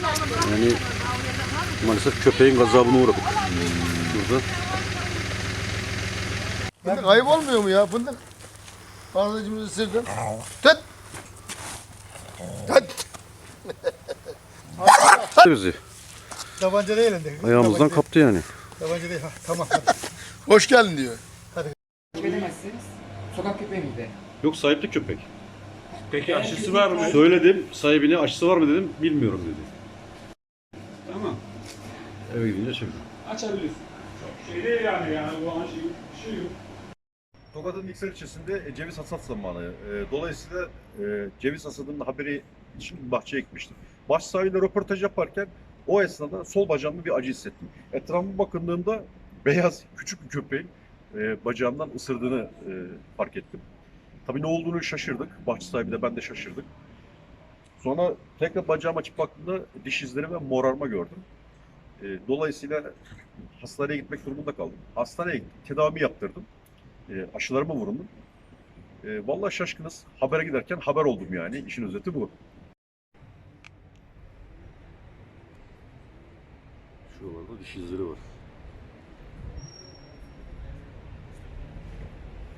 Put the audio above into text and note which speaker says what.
Speaker 1: Yani maalesef köpeğin gazabına uğradık. Burada.
Speaker 2: Fındık ayıp olmuyor mu ya fındık? Fazlacımızı ısırdın. Tut! Tut!
Speaker 1: Bizi
Speaker 2: Tabanca değil elinde.
Speaker 1: ayağımızdan kaptı yani.
Speaker 2: Tabanca değil. Ha, tamam. Hoş geldin diyor.
Speaker 3: Edemezsiniz. Sokak köpeği miydi?
Speaker 1: Yok, sahipli köpek.
Speaker 4: Peki aşısı var mı?
Speaker 1: Söyledim, sahibine aşısı var mı dedim, bilmiyorum dedi.
Speaker 4: Tamam.
Speaker 1: Eve gidince çektim.
Speaker 4: Açabilirsin. Çok şey değil yani bu an şey yok.
Speaker 5: Tokat'ın İksel ilçesinde ceviz hasat zamanı. Dolayısıyla ceviz hasadının haberi için bahçeye gitmiştim. Bahçe sahibiyle röportaj yaparken o esnada sol bacağımda bir acı hissettim. Etrafıma bakındığımda beyaz küçük bir köpeğin bacağımdan ısırdığını fark ettim. Tabii ne olduğunu şaşırdık. Bahçe sahibi de ben de şaşırdık. Sonra tekrar bacağımı açıp baktığımda diş izleri ve morarma gördüm. Dolayısıyla hastaneye gitmek durumunda kaldım. Hastaneye gittim, tedavi yaptırdım. Aşılarıma vurundum. Vallahi şaşkınız. Habere giderken haber oldum yani. İşin özeti bu.
Speaker 1: Şuralarda diş izleri var.